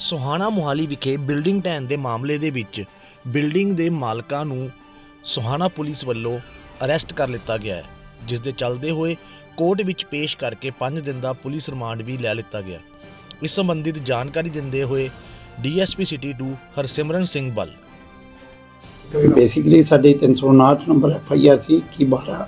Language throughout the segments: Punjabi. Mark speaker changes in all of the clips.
Speaker 1: ਸੋਹਾਣਾ ਮੋਹਾਲੀ ਵਿਖੇ ਬਿਲਡਿੰਗ ਢਹਿਣ ਦੇ ਮਾਮਲੇ ਦੇ ਵਿੱਚ ਬਿਲਡਿੰਗ ਦੇ ਮਾਲਕਾਂ ਨੂੰ ਸੋਹਾਣਾ ਪੁਲਿਸ ਵੱਲੋਂ ਅਰੈਸਟ ਕਰ ਲਿੱਤਾ ਗਿਆ ਹੈ, ਜਿਸ ਦੇ ਚੱਲਦੇ ਹੋਏ ਕੋਰਟ ਵਿੱਚ ਪੇਸ਼ ਕਰਕੇ 5 ਦਿਨ ਦਾ ਪੁਲਿਸ ਰਿਮਾਂਡ ਵੀ ਲੈ ਲਿੱਤਾ ਗਿਆ। ਇਸ ਸੰਬੰਧਿਤ ਜਾਣਕਾਰੀ ਦਿੰਦੇ ਹੋਏ DSP city 2 Harsimran Singh Bal
Speaker 2: basically साढ़े 359 नंबर FIR सी कि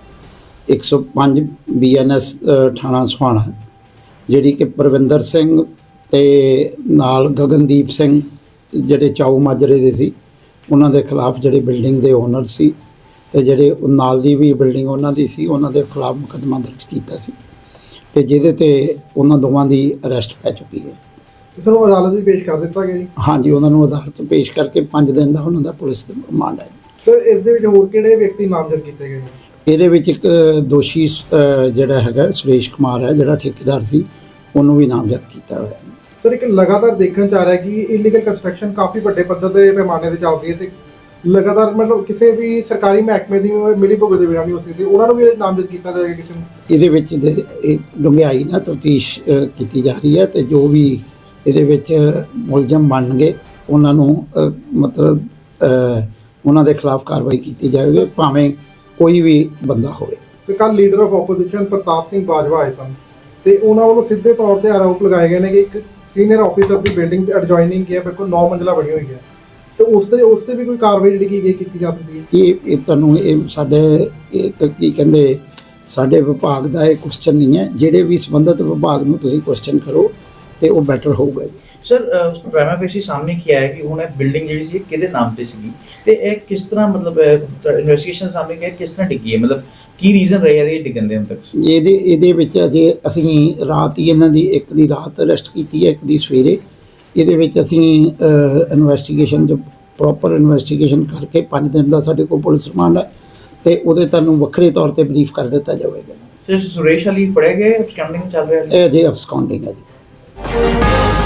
Speaker 2: 12/105 BNS थाना सुहाना जिहड़ी कि परविंदर सिंह ते नाल गगनदीप सिंह जिहड़े चाऊ माजरे दे सी उन्हां दे खिलाफ जिहड़े बिल्डिंग दे ओनर सी ते जिहड़े नाल दी भी बिल्डिंग उन्हां दी सी उन्हां दे खिलाफ मुकदमा दर्ज कीता सी ते जिहदे ते उन्हां दोवां दी अरेस्ट पै चुकी है।
Speaker 3: सर वो अदालत में पेश कर दिता गया जी।
Speaker 2: हाँ जी, उन्होंने अदालत पेश करके 5 दिन का उन्होंने पुलिस रिमांड है।
Speaker 3: सर इस दे विच होर किहड़े व्यक्ति नामजद कीते गए?
Speaker 2: ਇਹਦੇ ਵਿੱਚ ਇੱਕ ਦੋਸ਼ੀ ਜਿਹੜਾ ਹੈਗਾ ਸੁਰੇਸ਼ ਕੁਮਾਰ ਹੈ, ਜਿਹੜਾ ਠੇਕੇਦਾਰ ਸੀ, ਉਹਨੂੰ ਵੀ ਨਾਮਜ਼ਦ ਕੀਤਾ ਹੋਇਆ ਹੈ।
Speaker 3: ਸਰ ਇੱਕ ਲਗਾਤਾਰ ਦੇਖਣ ਚ ਆ ਰਿਹਾ ਕਿ ਇਲੀਗਲ ਕੰਸਟਰਕਸ਼ਨ ਕਾਫੀ ਵੱਡੇ ਪੱਧਰ ਤੇ ਪੈਮਾਨੇ ਤੇ ਚੱਲ ਰਹੀ ਹੈ ਤੇ ਲਗਾਤਾਰ ਮਤਲਬ ਕਿਸੇ ਵੀ ਸਰਕਾਰੀ ਮਹਿਕਮੇ ਦੀ ਮਿਲੀ ਭੁਗਤ ਦੇ ਬਿਨਾਂ ਨਹੀਂ ਹੋ ਸਕਦੀ, ਉਹਨਾਂ ਨੂੰ ਵੀ ਨਾਮਜ਼ਦ ਕੀਤਾ ਜਾਏਗਾ ਕਿਸੇ ਨੂੰ?
Speaker 2: ਇਹਦੇ ਵਿੱਚ ਇਹ ਡੂੰਘਾਈ ਨਾਲ ਤਫਤੀਸ਼ ਕੀਤੀ ਜਾ ਰਹੀ ਹੈ ਤੇ ਜੋ ਵੀ ਇਹਦੇ ਵਿੱਚ ਮੁਲਜ਼ਮ ਬਣਨਗੇ ਉਹਨਾਂ ਨੂੰ ਮਤਲਬ ਉਹਨਾਂ ਦੇ ਖਿਲਾਫ ਕਾਰਵਾਈ ਕੀਤੀ ਜਾਵੇਗੀ, ਭਾਵੇਂ ਕੋਈ ਵੀ ਬੰਦਾ ਹੋਵੇ।
Speaker 3: ਤੇ ਕੱਲ leader of opposition Partap Singh Bajwa ਆਏ ਸਨ ਤੇ ਉਹਨਾਂ ਵੱਲੋਂ ਸਿੱਧੇ ਤੌਰ ਤੇ ਆਰੋਪ ਲਗਾਏ ਗਏ ਨੇ ਕਿ ਇੱਕ ਸੀਨੀਅਰ ਆਫੀਸਰ ਦੀ ਬਿਲਡਿੰਗ ਐਡਜੋਇਨਿੰਗ ਹੈ, ਬਿਲਕੁਲ 9 ਮੰਜ਼ਲਾ ਬਣੀ ਹੋਈ ਹੈ ਤੇ ਉਸ ਤੇ ਵੀ ਕੋਈ ਕਾਰਵਾਈ ਜਿਹੜੀ ਕੀਤੀ ਜਾ ਸਕਦੀ ਹੈ?
Speaker 2: ਇਹ ਤੁਹਾਨੂੰ ਇਹ ਸਾਡੇ ਇਹ ਤਾਂ ਕੀ ਕਹਿੰਦੇ ਸਾਡੇ ਵਿਭਾਗ ਦਾ ਇਹ ਕੁਐਸਚਨ ਨਹੀਂ ਹੈ, ਜਿਹੜੇ ਵੀ ਸੰਬੰਧਿਤ ਵਿਭਾਗ ਨੂੰ ਤੁਸੀਂ ਕੁਐਸਚਨ ਕਰੋ ਤੇ ਉਹ ਬੈਟਰ ਹੋਊਗਾ ਜੀ।
Speaker 4: ਸਰ ਪ੍ਰਾਈਮਾ ਫੇਸੀ ਸਾਹਮਣੇ ਕੀ ਆਇਆ ਕਿ ਹੁਣ ਇਹ ਬਿਲਡਿੰਗ ਜਿਹੜੀ ਸੀ ਕਿਹਦੇ ਨਾਮ ਤੇ ਸੀਗੀ ਤੇ ਇਹ ਕਿਸ ਤਰ੍ਹਾਂ ਮਤਲਬ ਇਨਵੈਸਟੀਗੇਸ਼ਨ ਸਾਹਮਣੇ ਕਿ ਕਿਸ ਤਰ੍ਹਾਂ ਡਿੱਗੀ ਹੈ, ਮਤਲਬ ਕੀ ਰੀਜ਼ਨ ਰਿਹਾ ਇਹ ਡਿੱਗਣ ਦੇ ਹੁਣ ਤੱਕ?
Speaker 2: ਇਹਦੇ ਵਿੱਚ ਅਜੇ ਅਸੀਂ ਰਾਤ ਹੀ ਇਹਨਾਂ ਦੀ ਇੱਕ ਦੀ ਰਾਤ ਅਰੈਸਟ ਕੀਤੀ ਹੈ, ਇੱਕ ਦੀ ਸਵੇਰੇ। ਇਹਦੇ ਵਿੱਚ ਅਸੀਂ ਇਨਵੈਸਟੀਗੇਸ਼ਨ 'ਚ ਪ੍ਰੋਪਰ ਇਨਵੈਸਟੀਗੇਸ਼ਨ ਕਰਕੇ 5 ਦਿਨ ਦਾ ਸਾਡੇ ਕੋਲ ਪੁਲਿਸ ਰਿਮਾਂਡ ਹੈ ਤੇ ਉਹਦੇ ਤੁਹਾਨੂੰ ਵੱਖਰੇ ਤੌਰ ਤੇ ਬਰੀਫ ਕਰ ਦਿੱਤਾ ਜਾਵੇਗਾ।
Speaker 4: ਸਰ ਸੁਰੇਸ਼ ਅਲੀ ਫੜਿਆ ਗਿਆ, ਅਬਸਕਾਉਂਡਿੰਗ ਚੱਲ ਰਿਹਾ ਹੈ?
Speaker 2: ਇਹ ਅਜੇ ਅਬਸਕਾਉਂਡਿੰਗ ਹੈ ਜੀ।